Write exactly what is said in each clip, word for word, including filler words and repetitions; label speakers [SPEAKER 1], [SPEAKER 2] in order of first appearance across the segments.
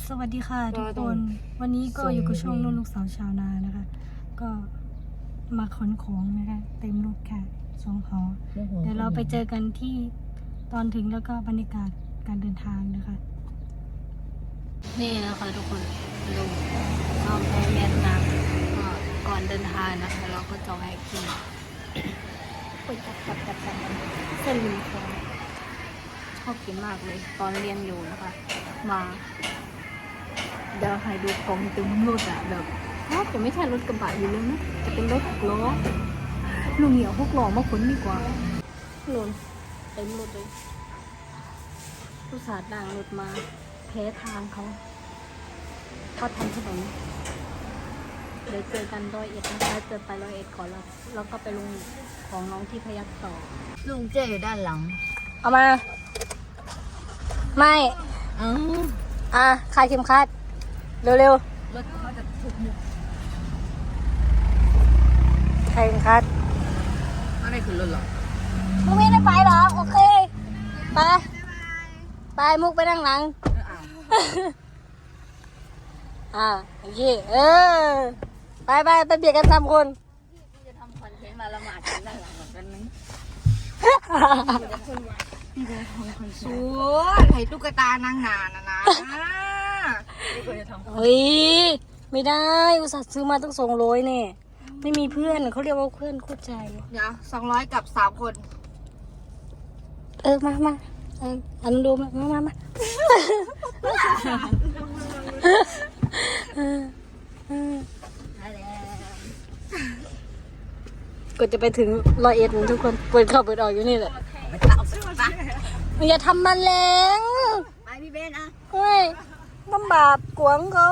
[SPEAKER 1] สวัสดีค่ะทุกคนวันนี้ก็อยู่กับช่องนุ่นลูกสาวชาวนานะคะก็มาขนของนะคะเต็มรถค่ะสองหอเดี๋ยวเราไปเจอกันที่ตอนถึงแล้วก็บรรยากาศการเดินทางนะคะนี่นะคะทุกคนลงข้ามไปเวียดนามก็ก่อนเดินทางนะคะเราก็จะแวะกินไปจับจับจับจับเส้นหมี่ฟองชอบกินมากเลยตอนเรียนอยู่นะคะมาเดี๋ยวให้ดูกองตึงรถอะแบบถ้าจะไม่ใช่รถกระบะอยู่เลยนะจะเป็นรถหกล้อลุงเหนียวหกล้อมาขนดีกว่าลุนเต็มรถเลยผู้สาดด่างรถมาแพ้ทางเขาเขาทำถนนเดี๋ยวเจอกันร้อยเอ็ดนะคะเจอไปร้อยเอ็ดก่อนแล้วแล้วก็ไปลงของน้องที่พยัคฆ์ต่อ
[SPEAKER 2] ลุงเจ๊อยู่ด้านหลัง
[SPEAKER 1] เอามาไม่
[SPEAKER 2] อ๋อ
[SPEAKER 1] อ่ะคลายเข็มขัดเร็ว
[SPEAKER 2] รถเขาจะถูกมุก
[SPEAKER 1] ๆคลายเข็มขัด
[SPEAKER 2] อะไรคือรถหรอ
[SPEAKER 1] มุกไม่ได้ไปหรอโอเคไปไปมุกไปนั่งหลังอ่าโอเคเออไปไปไปเบียดกันสามคน
[SPEAKER 2] พี่จะทำคอนเทนต์มาละหมาดกันด้านหลังแบบนั้นนึงพี่จะทำคอนเทนต์สวยไข่ตุ๊กตานางนานนะนะ
[SPEAKER 1] เฮ้ยไม่ได้อุตส่าห์ซื้อมาตั้งสองร้อยเนี่ยไม่มีเพื่อนเขาเรียกว่าเพื่อนคู่ใจ
[SPEAKER 2] เดี๋ยวสองร้อยกับสามคน
[SPEAKER 1] เออมามาเอออันดูมามามามาก็จะไปถึงร้อยเอ็ดทุกคนเปิดเข้าเปิดออกอยู่นี่แหละอย่าทำมันแรง
[SPEAKER 2] ไปพี่เบนอ่ะ
[SPEAKER 1] เฮ้ยน้ำบาปกวงเขา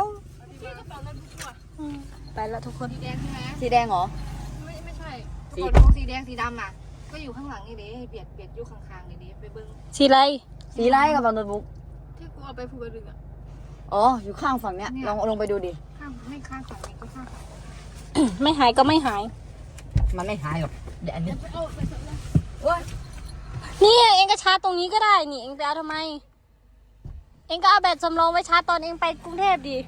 [SPEAKER 1] ไปแล้วทุกคน
[SPEAKER 2] สีแดงใช่ไหมสีแดงเหรอไม่ไม่ใช่สีดงสีแดงสีดำน่ะก็อยู่ข้างหลังนี่ดิเบียดเบียดอยู่ข้างๆนี่ดิไปเบิ้ง
[SPEAKER 1] สีไร
[SPEAKER 2] สีไรกับบางโน้ตบุ๊ก
[SPEAKER 3] ที่กูเอาไปภูกระดึงอ่ะ
[SPEAKER 2] อ๋ออยู่ข้างฝั่งเนี้ยลองลงไปดูดิ
[SPEAKER 3] ข้างไม่ข้างฝั่งนี้ก็ข้าง
[SPEAKER 1] ไม่หายก็ไม่หาย
[SPEAKER 2] มันไม่หายหรอกเดี๋ยวอันนี้
[SPEAKER 1] นี่เองก็ชาร์จตรงนี้ก็ได้นี่เองจะเอาทำไมเองก็เอาแบตสำรองไว้ชาร์จตอนเองไปกรุงเทพดิ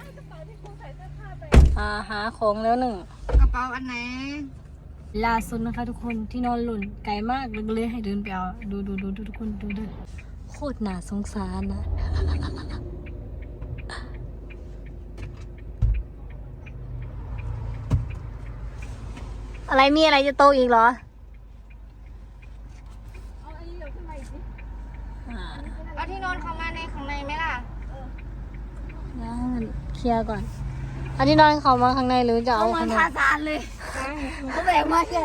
[SPEAKER 1] อ่าหาของแล้วหนึ่ง
[SPEAKER 3] กระเป๋าอันไหน
[SPEAKER 1] ล่าสุดนะคะทุกคนที่นอนหล่นไกลมากเลยให้เดินไปเอาดูดูดูทุกคนดูดูโคตรน่าสงสารนะอะไรมีอะไรจะโตอีกเหรอ
[SPEAKER 3] เอาอันนี้เดี๋ยวขึ้นมาอีกสิ
[SPEAKER 2] เอาที่นอนเข้ามาในข้างในไหมล่ะ
[SPEAKER 1] งั้นเคลียร์ก่อนอันนี้นอนเขามาข้างในหรือจะเอาข้างใน
[SPEAKER 2] ทาซานเลยเขาแบกมาแค่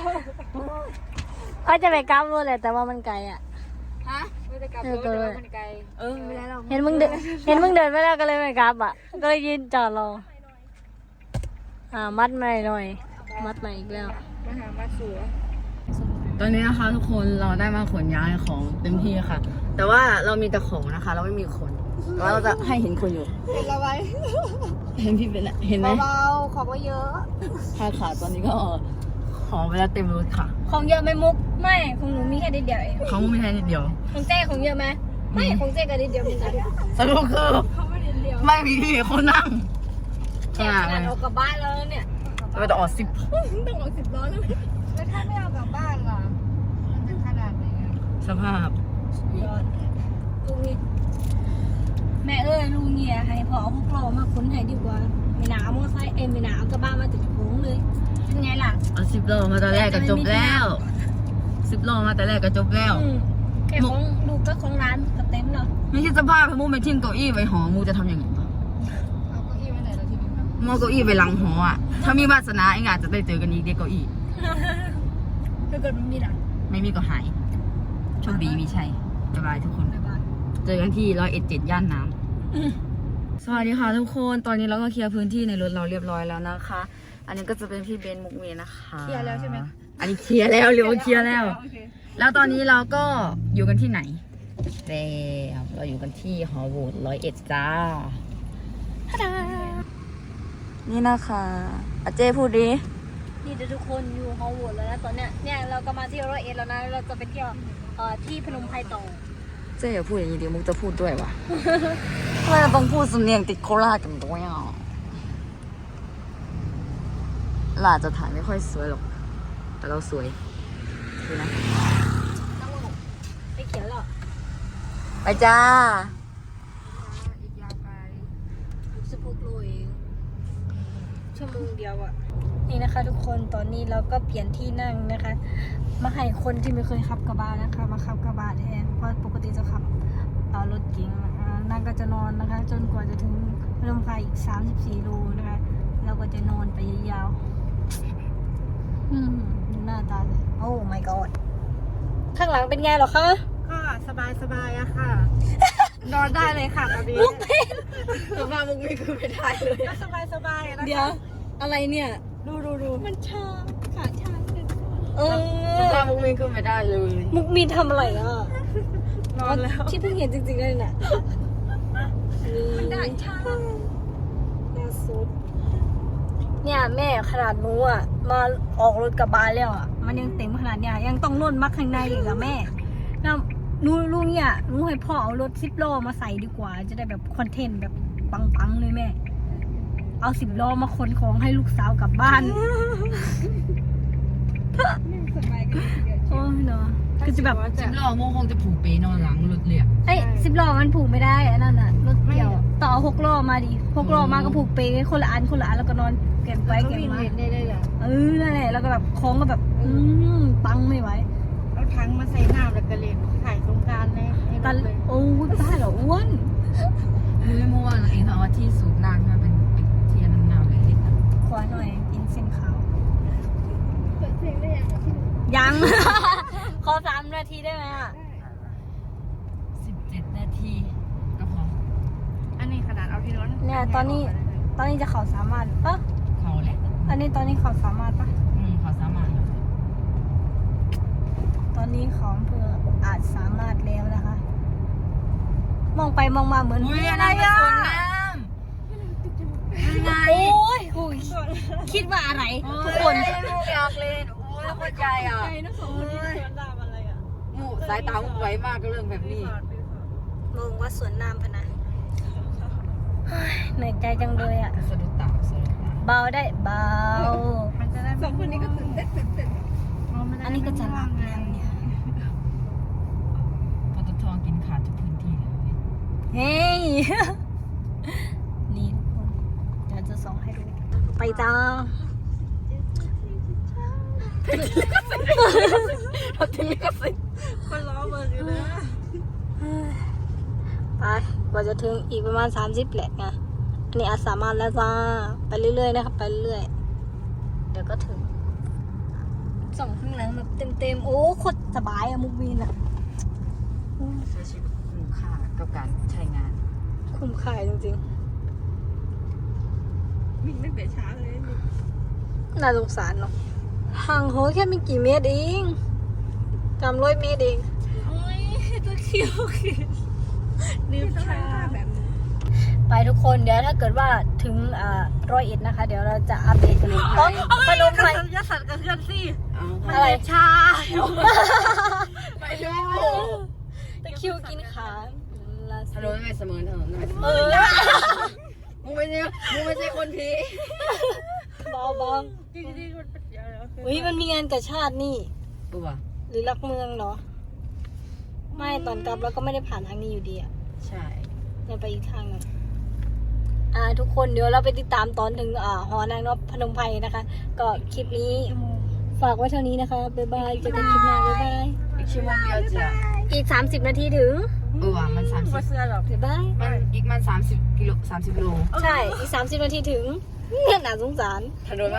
[SPEAKER 1] เขาจะไปกราฟด้วยแหละแต่ว่ามันไกลอ่ะ
[SPEAKER 3] ฮะไม่ได้กลับรถแต่ว่ามันไกล
[SPEAKER 2] เออไม่ได้หรอก
[SPEAKER 1] เห็นมึงเดินเห็นมึงเดินไม่ได้ก็เลยไม่กราฟอ่ะก็เลยยืนจอดรออ่ามัดใหม่หน่อยมัดใหม่อีกแล้ว
[SPEAKER 3] มาหามาสวย
[SPEAKER 2] ตอนนี้นะคะทุกคนเราได้มาขนย้ายของเต็มที่ค่ะแต่ว่าเรามีแต่ของนะคะเราไม่มีคนแต่ว่าเราจะให้เห็นคนอยู่
[SPEAKER 3] เห็นเราไว้
[SPEAKER 2] เห็นพี่เป็นเห็นไหม
[SPEAKER 3] เบาๆของก็เยอะ
[SPEAKER 2] ค่ะค่ะตอนนี้ก็ของไปแล้วเต็มรถค่ะ
[SPEAKER 1] ของเยอะไหมมุกไม่ของหนูมีแค่นิดเดียวเอง
[SPEAKER 2] ของมีแค่นิดเดียว
[SPEAKER 1] ของเจ๊ของเยอะไหมไม่ของเจ๊ก็นิดเดียวเหมือนกัน
[SPEAKER 2] สรุปคือไม่มีคนนั่ง
[SPEAKER 1] แค่ขนาดออกกลับบ้านแล้วเนี่ย
[SPEAKER 2] เราจะออกสิบ
[SPEAKER 3] ต้องออกสิบล้อแล้วแล้วถ้าไม่เอากลับบ้านล่ะมันจะขนาดไหน
[SPEAKER 2] สภาพ
[SPEAKER 1] ยอดลุงนี่แม่เอ้ยลุงเนี่ยให้พอเอาพวกเรามาค้นให้ดีกว่าไม่หนาวมอไซค์เอ็มไม่หนาวกระบ้ามาติดโค้งเลยเป็นไงล่ะ
[SPEAKER 2] เอาสิบโลมาตอนแรกก็จบแล้วสิบโลมาแต่แรกก็จบแล้ว
[SPEAKER 1] แค่ของดูก็ของร้านกับเต็มเนาะ
[SPEAKER 2] ไม่ใช่สภาพพี่มูไปทิ้งเก้าอี้ไว้หอมูจะทำยังไง
[SPEAKER 3] เอาเก้าอี้ไว้ไหนเราทีนี้
[SPEAKER 2] มอเก้าอี้ไปหลังหออ่ะถ้ามีวาสนาเองอาจจะได้เจอกันอีกเด็กเก้าอี้
[SPEAKER 1] ถ้าเกิดมันมีหลัง
[SPEAKER 2] ไม่มีก็หายโชคดีมีชัยบ๊ายบายทุกคนเจอกันที่ร้อยเอ็ดเจ็ดย่านน้ำสวัสดีค่ะทุกคนตอนนี้เราก็เคลียร์พื้นที่ในรถเราเรียบร้อยแล้วนะคะอันนี้ก็จะเป็นพี่เบนมุกเมย์นะคะ
[SPEAKER 3] เคลียร์แล้วใช่ไหม
[SPEAKER 2] อันนี้เคลียร์แล้วเรียกว่าเคลียร์แล้วแล้วตอนนี้เราก็อยู่กันที่ไหนแล้วเราอยู่กันที่หอโหวตร้อยเอ็ดจ้านี่นะคะอาเจ้พูดดิ
[SPEAKER 1] นี่ทุกคนอยู่หอโหวตแล้วนะตอนเนี้ยเนี่ยเราก็มาที่ร้อยเอ็ดแล้วนะเราจะไปเที่ยวเอ่อที่พนมไพรต่อ
[SPEAKER 2] จ๊อย่าพูดอย่างนี้ดิมุกจะพูดด้วยวะ ทำไมเราต้องพูดสำเนียงติดโคราชกันด้วยอ่ะหลาจะถ่ายไม่ค่อยสวยหรอก แต่เราสวยดูนะ
[SPEAKER 1] ไปเขียวหรอ
[SPEAKER 2] ไปจ้า
[SPEAKER 3] อีกยาวไกล
[SPEAKER 1] สิบหกโลเองชั่วโมงเดียวอะนี่นะคะ ทุกคนตอนนี้เราก็เปลี่ยนที่นั่งนะคะ มาให้คนที่ไม่เคยขับกระบะนะคะ มาขับกระบะแทนเพราะปกติจะขับเอารถเก๋งอ่านั่งก็จะนอนนะคะ จนกว่าจะถึงพนมไพรอีกสามสิบสี่โลนะคะเราก็จะนอนไปยาวๆอืมดูหน้าตาเลยโอ้ my god ข้างหลังเป็นไงเหรอคะ
[SPEAKER 3] ก็สบายสบายอะค่ะ นอนได้เลยค่ะตอนนี้
[SPEAKER 1] มุกเป็น
[SPEAKER 2] แต่ว่ามุกไม่คือไม่ได้เลย
[SPEAKER 3] ก็สบายสบายนะ
[SPEAKER 1] เดี๋ยว อะไรเนี่ย
[SPEAKER 3] ดูดูดูมันชาขาชาเลย
[SPEAKER 1] เอ
[SPEAKER 2] แต่
[SPEAKER 1] อ
[SPEAKER 2] ว่ามุกไม่คือไม่ได้เลย
[SPEAKER 1] มุกมีทำอะไรอ่ะ
[SPEAKER 3] นอนแล้ว
[SPEAKER 1] ที่เพิ่งเห็นจริงๆเลยน่ะ
[SPEAKER 3] มันได้ชา
[SPEAKER 1] น่าสุดเนี่ยแม่ขนาดหนูอ่ะ มาออกรถกับบานแล้วอ่ะ มันยังเต็มขนาดเนี้ยยังต้องล่นมักข้างในอีกอ่ะแม่แล้วหนูลุงเนี่ยหนูให้พ่อเอารถสิบล้อมาใส่ดีกว่า จะได้แบบคอนเทนต์แบบปังๆเลยแม่ เอาสิบล้อมาขนของให้ลูกสาวกลับบ้าน
[SPEAKER 3] สบายกันเดียว
[SPEAKER 1] โอ้ยเนาะก็จะแบบ
[SPEAKER 2] สิบล้อมุกคงจะผูกเปนอนหลังรถเลยอะ
[SPEAKER 1] เอ้ยสิบล้อมันผูกไม่ได้อันนั้นน่ะรถเกี่ยวต่อหกล้อมาดิหกล้อมาก็ผูกเปคนละอันคนละอันแล้วก็นอนเก็บไว้
[SPEAKER 3] ก็
[SPEAKER 1] เก็บ
[SPEAKER 3] วิ่ง
[SPEAKER 1] มา
[SPEAKER 3] เล่นได้เลยอ่ะ
[SPEAKER 1] เออนั่นแหละแล้วก็แบบคล้องก็แบบ อืมปังไม่ไหว
[SPEAKER 3] เอาถังมาใส่น้ำแล้วก็เล่นถ่ายตรงกลางในในร
[SPEAKER 1] ตัน
[SPEAKER 3] ถเลย
[SPEAKER 1] โอ้ยบ้าเหรออ้วน
[SPEAKER 2] รู้ไหมเมื่อวานเองเขาเอาที่สูบน้ำมาเป็นเป็นเทียนน้ำเลยเล็กอะ
[SPEAKER 1] ขวาหน่อยกินเส้นขาว
[SPEAKER 3] เปิดเพลงได้ยังอ่ะพี่หนู
[SPEAKER 1] ยัง ขอสามนาทีได้ไหมอ่ะ
[SPEAKER 2] สิบเจ็ดนาทีก็พอ
[SPEAKER 3] อันนี้ขนาดเอาที่รถ
[SPEAKER 1] เนี่ยตอนนี้ตอนนี้จะเขาสามารถปะ
[SPEAKER 2] เขาแหละ
[SPEAKER 1] อันนี้ตอนนี้เขาสามารถปะ
[SPEAKER 2] อืมเขาสามารถ
[SPEAKER 1] ตอนนี้ของอำเภออาจสามารถแล้วนะคะ มองไปมองมาเหมือน
[SPEAKER 2] อุ้ย
[SPEAKER 1] อะ
[SPEAKER 2] อะไร ไร
[SPEAKER 1] อ่ะ
[SPEAKER 2] อ่ะส่วนน้ำยังไง
[SPEAKER 1] โอ้ยคุยคิดว่าอะไรทุกคน
[SPEAKER 2] ลูกอยากเล่นโอ้ยเข้าใจอ่ะ
[SPEAKER 3] ใจนะสองคนที่สวนดามอะไรอ่ะ
[SPEAKER 2] หมูสายตาหมูไวมากก็เรื่องแบบนี้
[SPEAKER 1] มองว่าสวนน้ำพะนะเฮ้ยเหนื่อยใจจังเลยอ่ะ
[SPEAKER 2] สะดุดตาสะดุดตา
[SPEAKER 1] เบาได้เบา
[SPEAKER 3] มันจะได้สองคนนี้ก็ตื่นเต้นตื่นเต้น
[SPEAKER 1] อันนี้ก็จะหลับแล้วเนี่ย
[SPEAKER 2] ปตทกินขาดทุกพื้นที่เลย
[SPEAKER 1] เฮ้ย นี่ทุกคนเดี๋ยวจะส่งให้ดู ไปจ้า
[SPEAKER 2] เราถึงลิขสิทธิ์
[SPEAKER 3] คนล้อเบอร์อยู่เลย
[SPEAKER 1] ไปกว่าจะถึงอีกประมาณสามสิบแหละไงอันนี้อาจสามารถแล้วจ้า ไปเรื่อยๆนะครับไปเรื่อยๆเดี๋ยวก็ถึงส่องข้างหลังแบบเต็มๆ โอ้โคตรสบายอะมุกวีนอะ
[SPEAKER 2] ใช้ชีวิตคุ้มค่ากับการใช้งาน
[SPEAKER 1] คุ้มค่าจริง
[SPEAKER 3] วิ่งตั้งแต่เช้าเลยนี่
[SPEAKER 1] ๆ น่าสงสารเนาะห่างโหแค่ไม่กี่เมตรเองจำร้อยเมตรเอง
[SPEAKER 3] โอ้ยตะคิวคือลืมชาแบบนี้
[SPEAKER 1] ไปทุกคนเดี๋ยวถ้าเกิดว่าถึงอ่าร้อยเอ็ดนะคะ เดี๋ยวเราจะอัปเดตกันเลยอ๋อพนมไพร
[SPEAKER 3] ยาสัตว์กระเทือนสิ
[SPEAKER 1] อะไร
[SPEAKER 3] ชา
[SPEAKER 2] ไปดู
[SPEAKER 1] ตะคริวกินขาลา
[SPEAKER 2] ถนนไม่เสมอถนนไม่เสม
[SPEAKER 1] เอ
[SPEAKER 2] อ
[SPEAKER 1] อ
[SPEAKER 2] มึงไม่ใช่มึงไม่ใช่คนผี
[SPEAKER 1] เบาเบา
[SPEAKER 3] จริงๆมันเป็นเดี๋ยวเดี๋ยวคือ
[SPEAKER 1] เฮ้ยมันมีงานกระชาตินี่
[SPEAKER 2] ตัว
[SPEAKER 1] หรือรักเมืองเหรอ ไม่ตอนกลับเราก็ไม่ได้ผ่านทางนี้อยู่ดีอะ
[SPEAKER 2] ใช่
[SPEAKER 1] เราไปอีกทางหนึงอ่า ทุกคนเดี๋ยวเราไปติดตามตอนถึงอ่าหอนางนพพนมไพรนะคะ ก็คลิปนี้ฝากไว้เท่านี้นะคะบ๊ายบายเจอกันคลิปหน้าบ๊ายบาย
[SPEAKER 2] อีกชั่วโมงเดียวจะ
[SPEAKER 1] อีกสามสิบนาทีถึง
[SPEAKER 2] เออว่ะมันสามสิบ
[SPEAKER 3] ว่าเสื้อหรอก
[SPEAKER 1] บ๊ายบาย
[SPEAKER 2] มันอีกมันสามสิบกิโลสามสิบโล
[SPEAKER 1] ใช่ อีกสามสิบนาทีถึง น่าสงสาร
[SPEAKER 2] ถนน